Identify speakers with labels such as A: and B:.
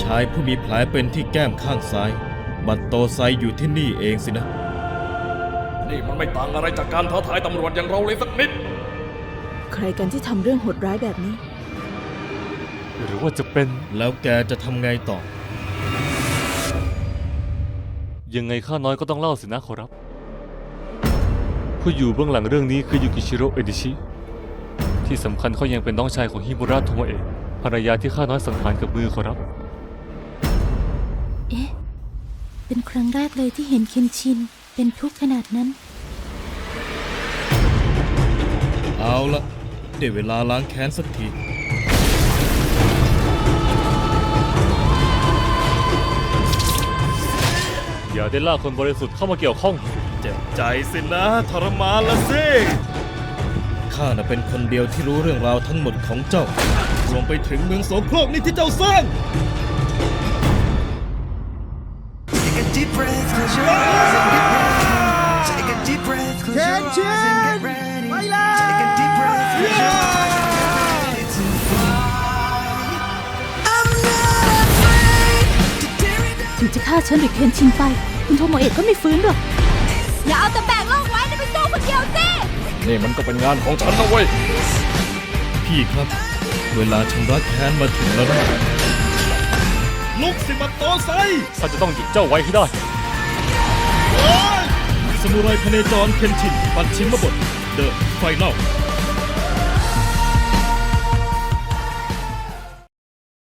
A: ายผู้มีแผลเป็นที่แก้มข้างซ้ายบัตโตไซอยู่ที่นี่เองสินะ
B: นี่มันไม่ต่างอะไรจากการท้าทายตำรวจอย่างเราเลยสักนิด
C: ใครกันที่ทำเรื่องโหดร้ายแบบนี้
D: หรือว่าจะเป็น
A: แล้วแกจะทำไงต่อ
D: ยังไงข้าน้อยก็ต้องเล่าสินะขอรับผู้อยู่เบื้องหลังเรื่องนี้คือยูกิชิโร่เอดิชิที่สำคัญเขายังเป็นน้องชายของฮิมุระโทโมเอะภรรยาที่ข้าน้อยสังหารกับมือขอรับ
E: เอ๊ะเป็นครั้งแรกเลยที่เห็นเคนชินเป็นทุกข์ขนาดนั้น
A: เอาละได้เวลาล้างแค้นสักที
D: อย่าได้ล่าคนบริสุทธิ์เข้ามาเกี่ยวข้อง
A: เจ็บใจสินะทรมานละสิข้าน่ะเป็นคนเดียวที่รู้เรื่องราวทั้งหมดของเจ้ารวมไปถึงเมืองโสโครกนี่ที่เจ้าสร้าง
F: เคนชินไปแล้ว
E: ถึงจะฆ่าฉันหรือเคนชินไปคุณโทโมเอะก็ไม่ฟื้นหรอก
G: อย่าเอาแต่แบกโลกไว้ไปสู้คนเดียวสิ
B: นี่มันก็เป็นงานของฉันนะเว้ย
A: พี่ครับเวลาชำระแค้นมาถึงแล้วนะลุกสิบัตโตไซ
D: ข้าจะต้องหยุดเจ้าไว้ให้ได้
A: สมุไรพเนจรเคนชินปัดชิมบทเดอะไฟนอล